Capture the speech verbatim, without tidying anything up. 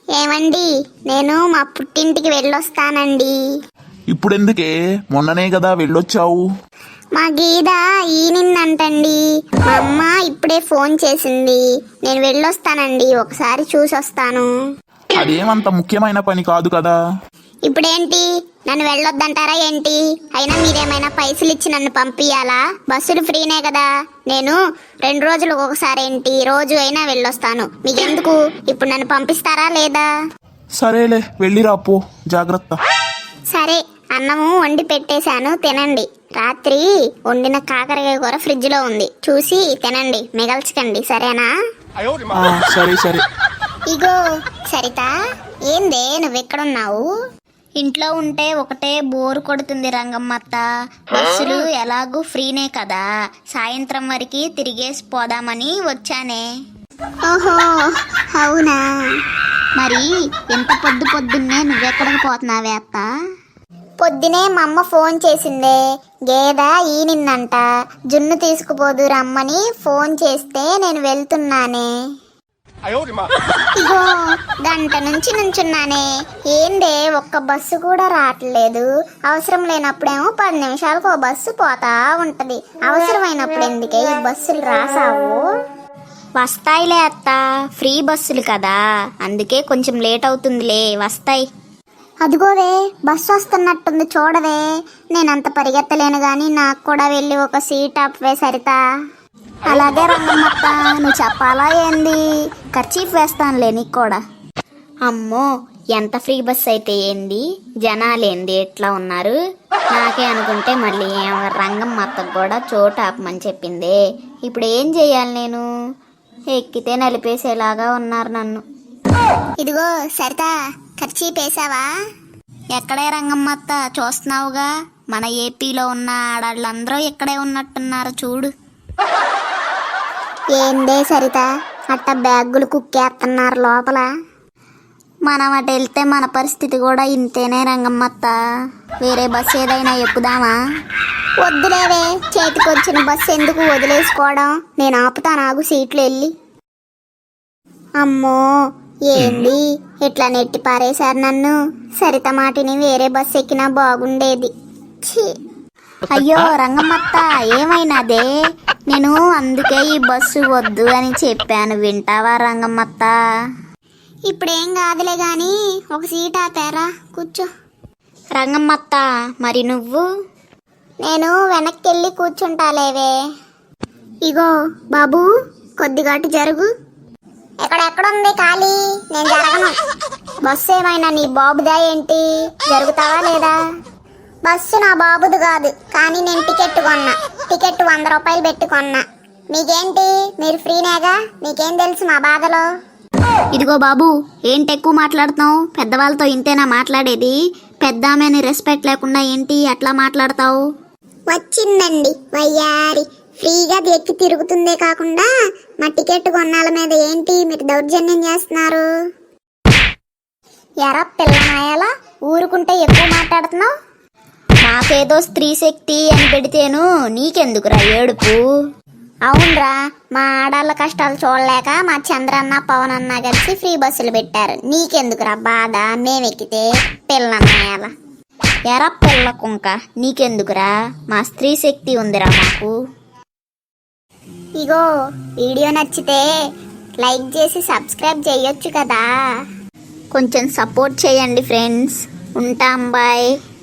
ఏమండి, నేను మా పుట్టింటికి వెళ్ళొస్తానండి. ఇప్పుడెందుకే? మొన్ననే కదా వెళ్ళొచ్చావు. మా గీద ఈనిందంటండి. మా అమ్మ ఇప్పుడే ఫోన్ చేసింది. నేను వెళ్ళొస్తానండి, ఒకసారి చూసొస్తాను. అదేమంత ముఖ్యమైన పని కాదు కదా. ఇప్పుడేంటి, నన్ను వెళ్ళొద్దంటారా ఏంటి? అయినా మీరేమైనా పైసలు ఇచ్చి నన్ను పంపియాలా? బస్సులు ఫ్రీనే కదా. నేను రెండు రోజులకు ఒకసారి ఏంటి, రోజు అయినా వెళ్ళొస్తాను. మీకెందుకు? ఇప్పుడు నన్ను పంపిస్తారా లేదా? సరేలే, వెళ్ళిరా పో, జాగ్రత్త. సరే, అన్నము వండి పెట్టేశాను, తినండి. రాత్రి వండిన కాకరకాయ కూర ఫ్రిడ్జ్ లో ఉంది, చూసి తినండి, మిగల్చకండి, సరేనా? ఆ, సరే సరే. ఇగో సరిత, ఏందే నువ్వెక్కడున్నావు? ఇంట్లో ఉంటే ఒకటే బోరు కొడుతుంది రంగమ్మత్త. బస్సులు ఎలాగూ ఫ్రీనే కదా, సాయంత్రం వరకు తిరిగేసి పోదామని వచ్చానే. ఓహో, అవునా? మరి ఎంత పొద్దు పొద్దున్నే నువ్వెక్కడికి పోతున్నావే అత్త? పొద్దునే మా అమ్మ ఫోన్ చేసిందే, గేద ఈనిందంట, జున్ను తీసుకుపోదు రమ్మని ఫోన్ చేస్తే నేను వెళ్తున్నానే. ఇగో గంట నుంచి నుంచున్నానే, ఏందే ఒక్క బస్సు కూడా రావట్లేదు. అవసరం లేనప్పుడేమో పది నిమిషాలకు ఓ బస్సు పోతా ఉంటది, అవసరమైనప్పుడు ఎందుకే ఈ బస్సులు రాసావు? వస్తాయిలే అత్త, ఫ్రీ బస్సులు కదా, అందుకే కొంచెం లేట్ అవుతుందిలే, వస్తాయి. అదిగోవే బస్సు వస్తున్నట్టుంది, చూడవే. నేనంత పరిగెత్తలేను గాని నాకు కూడా వెళ్ళి ఒక సీట్ అప్వే సరిత. అలాగే రంగమ్మత్త, నువ్వు చెప్పాలా ఏంది? ఖర్చీఫ్ వేస్తానులే నీకు కూడా. అమ్మో, ఎంత ఫ్రీ బస్ అయితే ఏంది, జనాలేంది ఎట్లా ఉన్నారు? నాకే అనుకుంటే మళ్ళీ రంగమ్మత్తకు కూడా చోటు ఆపమని చెప్పిందే. ఇప్పుడు ఏం చెయ్యాలి నేను? ఎక్కితే నలిపేసేలాగా ఉన్నారు నన్ను. ఇదిగో సరిత, ఖర్చీఫ్ వేసావా? ఎక్కడే రంగమ్మత్త, చూస్తున్నావుగా, మన ఏపీలో ఉన్న ఆడాళ్ళందరూ ఇక్కడే ఉన్నట్టున్నారు చూడు. ఏందే సరిత, అట్ట బ్యాగులు కుక్కేస్తున్నారు లోపల. మనం అటు వెళ్తే మన పరిస్థితి కూడా ఇంతేనే రంగమ్మత్త. వేరే బస్సు ఏదైనా ఎక్కుదామా? వద్దులేవే, చేతికొచ్చిన బస్సు ఎందుకు వదిలేసుకోవడం, నేను ఆపుతాను, ఆగు సీట్లు వెళ్ళి. అమ్మో, ఏంది ఇట్లా నెట్టి పారేశారు నన్ను. సరిత మాటిని వేరే బస్సు ఎక్కినా బాగుండేది. ఛీ. అయ్యో రంగమ్మత్త, ఏమైనాదే? నేను అందుకే ఈ బస్సు వద్దు అని చెప్పాను, వింటావా రంగమ్మత్త? ఇప్పుడేం కాదులే గాని ఒక సీట్ ఆపారా, కూర్చో. రంగమ్మత్త, మరి నువ్వు? నేను వెనక్కి వెళ్ళి కూర్చుంటాలేవే. ఇగో బాబు, కొద్దిగాటు జరుగు. ఎక్కడెక్కడుంది ఖాళీ, నేను జరగను. బస్సు ఏమైనా నీ బాబుదా ఏంటి, జరుగుతావా లేదా? బస్సు నా బాబుది కాదు, కానీ నేను టికెట్ కొన్నా. టికెట్ వంద రూపాయలు పెట్టుకున్నా. మీకేంటి, మీరు ఫ్రీనేగా, మీకేం తెలుసు మా బాధలో? ఇదిగో బాబు, ఏంటి ఎక్కువ మాట్లాడుతున్నావు? పెద్దవాళ్ళతో ఇంతేనా మాట్లాడేది? పెద్దామని రెస్పెక్ట్ లేకుండా ఏంటి అట్లా మాట్లాడతావు? వచ్చిందండి వయ్యారి, ఫ్రీగా ఎక్కి తిరుగుతుందే కాకుండా మా టికెట్ కొన్నాళ్ళ మీద ఏంటి మీరు దౌర్జన్యం చేస్తున్నారు? ఎరా పిల్లనాయాలా, ఊరుకుంటే ఎక్కువ మాట్లాడుతున్నావు? నాకేదో స్త్రీ శక్తి అని పెడితేను నీకెందుకురా ఏడుపు? అవునరా, మా ఆడాళ్ళ కష్టాలు చూడలేక మా చంద్రన్న పవన్ అన్న కలిసి ఫ్రీ బస్సులు పెట్టారు. నీకెందుకురా బాధ మేమెక్కితే? పిల్లనాయాల ఎరా పిల్ల కుంక, నీకెందుకురా? మా స్త్రీ శక్తి ఉందిరా మాకు. ఇగో వీడియో నచ్చితే లైక్ చేసి సబ్స్క్రైబ్ చేయొచ్చు కదా, కొంచెం సపోర్ట్ చేయండి ఫ్రెండ్స్. ఉంటాం, బాయ్.